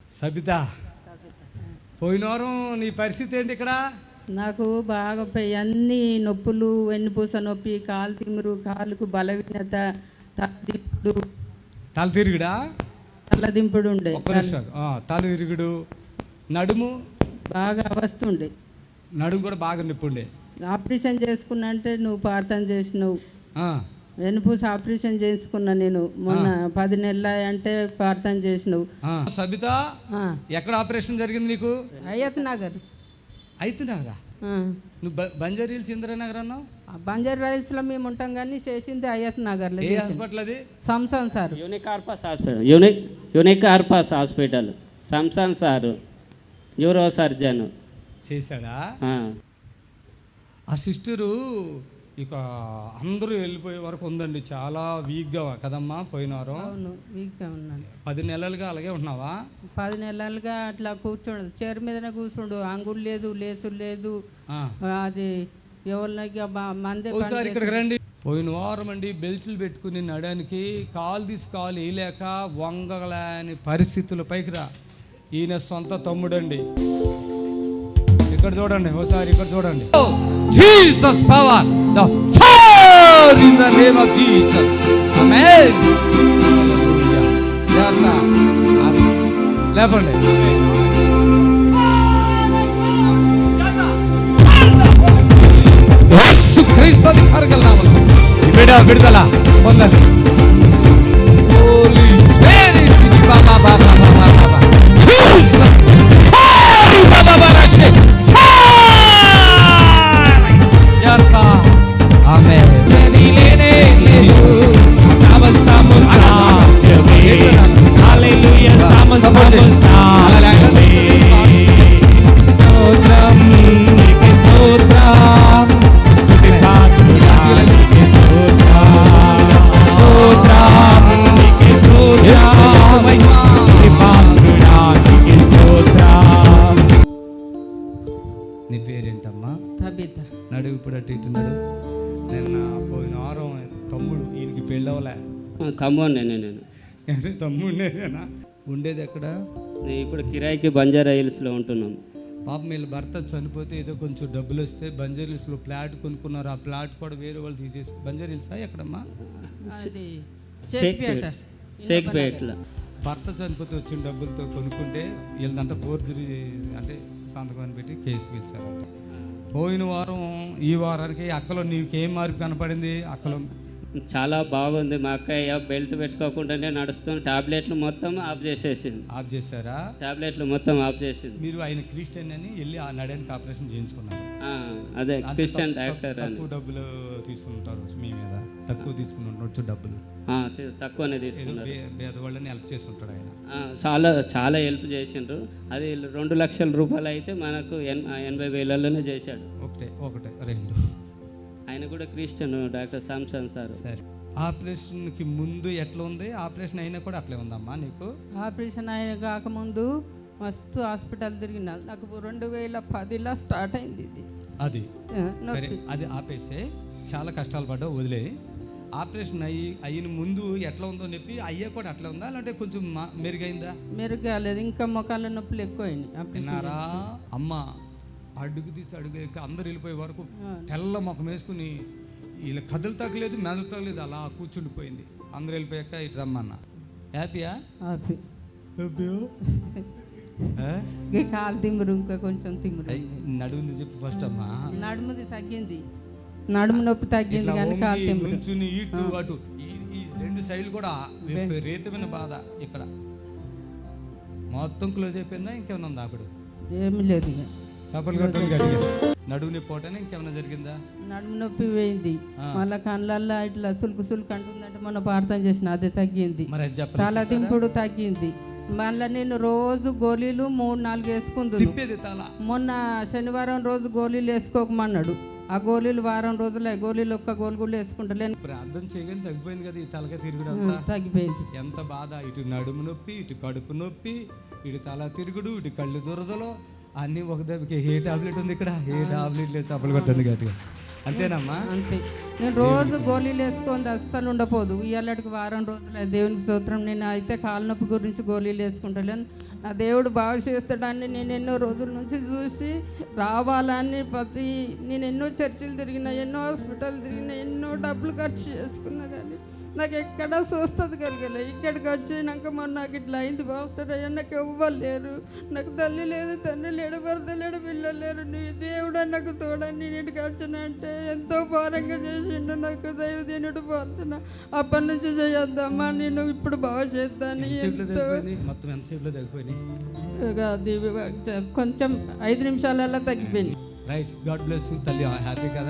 సబిత, పోయిన వారం నీ పరిస్థితి ఏంటి ఇక్కడ? నాకు బాగా అన్ని నొప్పులు, వెన్నుపూస నొప్పి, కాలు తిమ్మురు, కాలుకు బలహీనత, తలదింపుడు ఉండే, తల తిరుగుడు, నడుము బాగా వస్తుండే, నడుము కూడా బాగా నొప్పి ఉండే. ఆపరేషన్ చేసుకున్నా అంటే నువ్వు ప్రార్థన చేసినావు. వెన్నుపూస ఆపరేషన్ చేసుకున్నా నేను మొన్న 10 నెలలు అంటే ప్రార్థన చేసినావు. సబిత, ఎక్కడ ఆపరేషన్ జరిగింది నీకు? అయ్యత్ నగర్. అయితున్నారా? నువ్వు బంజారా హిల్స్ ఇందిరానగర్ అన్నావు. బంజారా హిల్స్ లో మేము ఉంటాం కానీ చేసింది అయ్యత్ నగర్ లో. ఏ హాస్పిటల్ అది? సంసాన్ సార్. యూనిక్ ఆర్పాస్ హాస్పిటల్ సంసాన్ సార్ న్యూరో సర్జన్ చేశాడా? ఆ సిస్టరు ఇక అందరూ వెళ్ళిపోయే వరకు ఉందండి. చాలా వీక్గా కదమ్మా పోయినారు. అవును, వీక్గా ఉన్నాను. 10 నెలలుగా అలాగే ఉన్నావా? 10 నెలలుగా అట్లా కూర్చోండు, చైర్ మీదనే కూర్చుండు, అంగుడు లేదు, లేసు లేదు. అది ఎవరికి మందే. ఒకసారి ఇక్కడికి రండి. పోయిన వారం అండి బెల్ట్లు పెట్టుకుని నడడానికి కాలు తీసుకోవాలి వేయలేక వంగలేని పరిస్థితులు. పైకి రా, ఈయన సొంత తమ్ముడండి. ఇక్కడ చూడండి, ఒకసారి ఇక్కడ చూడండి. Jesus power, the fire in the name of Jesus. Amen. Hallelujah. లేపండి. యేసు క్రీస్తు అధికారిగా నామములో ఈ విడుదల పొందండి. హోలీ స్పిరిట్ బాబా బాబా బాబా బాబా జీసస్ బాబా బాబా రషే జాతా. ఆమేన్. లేనే లేదు సమస్తము సాధ్యమే. హల్లెలూయా. సమస్తము సాధ్యమే. స్తోత్రం నీకే, స్తోత్రం స్తుతి పాత్రునికి స్తోత్రం. స్తోత్రం నీకే, స్తోత్రం స్తుతి పాత్రునికి స్తోత్రం. నీ పేరేంటమ్మా? సబిత. నడువు ఇప్పుడు అటు ఇటు నడు. నిన్న పోయిన వారం తమ్ముడు, ఈయనకి పెళ్ళవలే. ఖమ్మం నేను తమ్ముడేనా? ఉండేది ఎక్కడ? ఇప్పుడు కిరాయికి బంజారా హిల్స్లో ఉంటున్నాం. పాపం వీళ్ళ భర్త చనిపోతే ఏదో కొంచెం డబ్బులు వస్తే బంజారా హిల్స్లో ఫ్లాట్ కొనుక్కున్నారు. ఆ ఫ్లాట్ కూడా వేరే వాళ్ళు తీసేసి. బంజారా హిల్సా ఎక్కడమ్మా? షేక్పేట్లో. భర్త చనిపోతే వచ్చిన డబ్బులతో కొనుక్కుంటే వీళ్ళదంతా ఫోర్జరీ అంటే సంతకం పెట్టి కేసు పిలిచారంట. పోయిన వారం ఈ వారానికి అక్కలో నీకేం మార్పు కనపడింది? అక్కలో చాలా బాగుంది. మా అక్కయ్య బెల్ట్ పెట్టుకోకుండానే నడుస్తుంది. టాబ్లెట్లు మొత్తం ఆఫ్ చేసేసింది. ఆఫ్ చేశారా? టాబ్లెట్లు మొత్తం ఆఫ్ చేసింది. మీరు ఆయన క్రిస్టియన్ అని వెళ్ళి ఆ నడానికి ఆపరేషన్ చేయించుకున్నారు. అదే క్రిస్టియన్ డాక్టర్ అని. తక్కువ డబ్బులు తీసుకుంటారు మీ మీద, తక్కువ తీసుకుంటుంటారు డబ్బులు. తక్కువనే తీసుకున్నారు. పేదవాళ్ళని హెల్ప్ చేసుకుంటాడు ఆయన. చాలా చాలా హెల్ప్ చేసిండ్రు. అది 2 లక్షల రూపాయలు అయితే మనకు 80,000లోనే చేశాడు. ఒకటే 2. ఆయన కూడా క్రిస్టియన్ డాక్టర్ సామ్సన్ సార్. సరే, ఆపరేషన్కి ముందు ఎట్లా ఉంది? ఆపరేషన్ అయినా కూడా అట్లే ఉందమ్మా నీకు? ఆపరేషన్ అయిన కాకముందు మస్తు హాస్పిటల్ తిరిగిన. నాకు 2010లో స్టార్ట్ అయింది ఇది. అది సరే, అది ఆపేసే. చాలా కష్టాలు పడ్డావు, వదిలే. ఆపరేషన్ అయిన ముందు ఎట్లా ఉందో నొప్పి అయ్యా కూడా అట్లా ఉందా, లేదంటే కొంచెం మెరుగైందా? మెరుగలేదు, ఇంకా మొఖాల నొప్పులు ఎక్కువైనాయి. విన్నారా అమ్మ? అడుగు తీసి అడుగు అందరు వెళ్ళిపోయే వరకు తెల్ల ముఖం వేసుకుని ఇలా కదులు తగ్గలేదు, మెదలు తగ్గలేదు, అలా కూర్చుండిపోయింది. అందరు వెళ్ళిపోయాక ఇటు రమ్మన్న. హ్యాపీయా? కాలు తిమ్మురు, ఇంకా కొంచెం తిమ్మురు. నడుముంది చెప్పు ఫస్ట్ అమ్మా. నడుముది తగ్గింది, నడుము నొప్పి తగ్గింది కానీ కాలు తిమ్మురు. నుంచుని ఇటు అటు ఈ 2 సైడ్లు కూడా విపరీతమైన బాధ. ఇక్కడ మొత్తం క్లోజ్ అయిపోయిందా? ఇంకేమైనా ఉందా? అప్పుడు ఏమీ లేదు. ఇక చేపలు కట్టని గట్టిగా నడుము నొప్పి పోవటానే ఇంకేమైనా జరిగిందా? నడుము నొప్పి పోయింది. మళ్ళీ కళ్ళల్లో ఇట్లా సులుకు అంటుందంటే మొన్న ప్రార్థన చేసిన, అది తగ్గింది. తల దింపుడు తగ్గింది. మళ్ళీ నేను రోజు గోళీలు 3-4 వేసుకుంటున్నాను. మొన్న శనివారం రోజు గోళీలు వేసుకోకమన్నాడు. ఆ గోళీలు వారం రోజులు గోళీలు ఒక్క గోలు కూడా వేసుకుంటలేను. ప్రార్థన చేయగానే తగ్గిపోయింది కదా ఈ తలగా తిరుగుడు? తగ్గిపోయింది. ఎంత బాధ! ఇటు నడుము నొప్పి, ఇటు కడుపు నొప్పి, ఇటు తల తిరుగుడు, ఇటు కళ్ళు దురదలు అన్నీ ఒక దెబ్బకి. ఏ టాబ్లెట్ ఉంది ఇక్కడ? ఏ టాబ్లెట్ లేదు. చేపలు కొట్టండి గట్టిగా. అంతేనమ్మా? అంతే. నేను రోజు గోళీలు వేసుకుంది, అస్సలు ఉండపోదు. ఇవాళకి వారం రోజులు దేవునికి స్తోత్రం. నేను అయితే కాలు నొప్పి గురించి గోళీలు వేసుకుంటలేను. ఆ దేవుడు బాగు చేస్తాడని నేను ఎన్నో రోజుల నుంచి చూసి రావాలని నేను ఎన్నో చర్చిలు తిరిగిన, ఎన్నో హాస్పిటల్ తిరిగిన, ఎన్నో డబ్బులు ఖర్చు చేసుకున్నా కానీ నాకు ఎక్కడ స్వస్థత కలగలే. ఇక్కడికి వచ్చినాక మొన్న నాకు ఇట్లా అయింది పాస్టర్ అయ్యా, నాకు ఎవ్వరు లేరు, నాకు తల్లి లేదు, తండ్రి లేడు, భర్త లేడు, పిల్లలు లేరు, నీ దేవుడు నాకు తోడని నేను ఇంటికి వచ్చినంటే ఎంతో భారంగా చేసిండు నాకు దైవదేనుడు ప్రార్థన. అప్పటి నుంచి చేయొద్దమ్మా, నేను ఇప్పుడు బాగా చేద్దాను. మొత్తం ఎంతసేపులో తగ్గిపోయినాయి? అది కొంచెం 5 నిమిషాలలో తగ్గిపోయింది. రైట్, గాడ్ బ్లెస్ యూ తల్లి, హ్యాపీ కదా.